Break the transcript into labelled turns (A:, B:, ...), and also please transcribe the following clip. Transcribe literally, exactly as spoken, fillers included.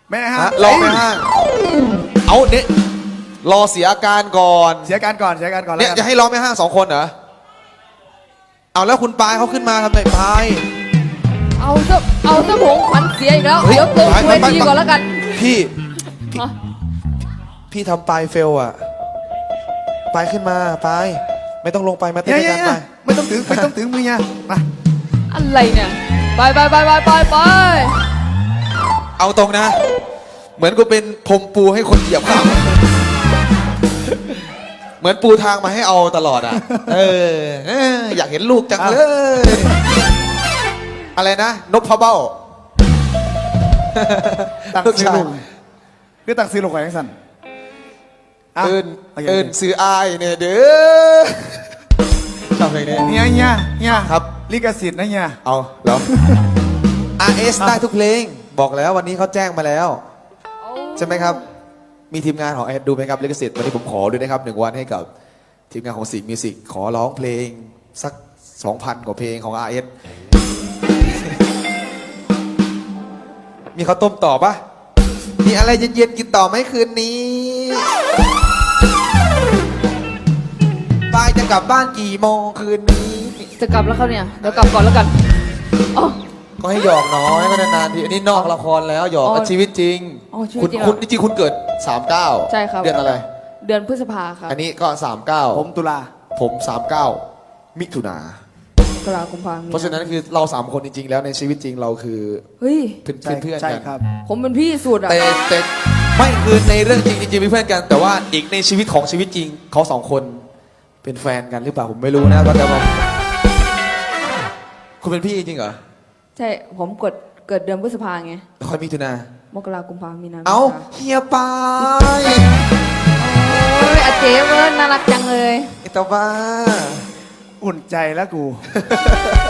A: ไม่ห้าง
B: รอไม่ห้างเอาเนี่ยรอเสียอาการก่อน
A: เสียการก่อนเสียการก่อน
B: เนี่ย
A: แล้ว
B: จะให้รอไม่ห้างสองคนเหรอเอาแล้วคุณปายเขาขึ้นมาทำไมปาย
C: เอาซะเอาซะผงขวัญเสียอีกแล้ว
B: เฮ้ย
C: เดี๋ยวลง
B: ไปไป
C: เว
B: ไป
C: ทีก่อนแล้วกัน
B: พี่
C: ฮะ
B: พี่ทำปลายเฟลอ่ะปลายขึ้นมาปลายไม่ต้องลงไปมาเต้น
A: เนี่ย
B: ด้วย
A: เนี่
B: กั
A: ย
B: น
A: เนี่ย
B: ไป
A: ไม่ต้องถึงไม่ต้องถึงมือเนี่ยมา
C: อะไรเนี่ยไปไปไปไปไปไป
B: เอาตรงนะ เหมือนกูเป็นพรมปูให้คนเหยียบข้ามเหมือนปูทางมาให้เอาตลอดอ่ะเออเอออยากเห็นลูกจังเลยอะไรนะนพเบ้า
A: ตักซื้อลูกคือตักซื้อลูกไว้ยังสั่นอ่ะ
B: เอิน
A: โอเค
B: เอินซื้ออายเนี่ยเด้อชอบเพลงนี้
A: เนี่ยเนี่ยเนี่ย
B: ครับ
A: ลิขสิทธิ์นะเนี่ย
B: เอาเหรอ อาร์ เอส ได้ทุกเพลงบอกแล้ววันนี้เขาแจ้งมาแล้ว ใช่ไหมครับ มีทีมงานของเอสดูไหมครับลิขสิทธิ์วันนี้ผมขอด้วยนะครับหนึ่งวันให้กับทีมงานของสิงห์มิวสิกขอร้องเพลงสักสองพันกว่าเพลงของ อาร์ เอส มีข้าวต้มต่อปะมีอะไรเย็นๆกินต่อไหมคืนนี้ปายจะกลับบ้านกี่โมงคืนนี้
C: จะกลับแล้วเขาเนี่ยเดี๋ยวกลับก่อนแล้วกันอ๋อ
B: ก็ให้หยอกน้อยก็นานๆทีอันนี้นอกละครแล้วหยอก
C: อ๋อ
B: ชีวิตจริง
C: อ๋อชีวิ
B: คุ
C: ต
B: ณ
C: จริง
B: คุณ
C: เหรอ
B: จริงๆคุณเกิดสามเก้า
C: ใช่ครับ
B: เดือนอะไร
C: เดือนพฤษภาครับ
B: อันนี้ก็สามเก้า
A: ผมตุลา
B: ผมสามเก้ามิถุนาก
C: ราคมพามี
B: เพราะฉะนั้นคือเราสามคนจริงๆ แล้วในชีวิตจริงเราคือ
C: เฮ้ย
B: เพื่อน
A: ใช่
B: เพื่อน
A: ใช่
B: กัน
A: ครับ
C: ผมเป็นพี่สุดอ่ะ
B: แต่แต่ไม่คือในเรื่องจริงจริงๆเป็นเพื่อนกัน แต่ว่าอีกในชีวิตของชีวิตจริงเขาสองคนเป็นแฟนกันหรือเปล่าผมไม่รู้นะก็แต่บอกคุณเป็นพี่จริงเหรอ
C: ใช่ผมเกิดเกิดเดือนพฤษภาไง
B: คอยมิถุนาม
C: กราคมพามีนา
B: เอ้า
C: เมษ
B: เฮียปาย
C: โอ้ยอาเจ๊เว้ยน่ารักจังเลย
B: ไอตาบ้า
A: อุ่นใจแล้วกู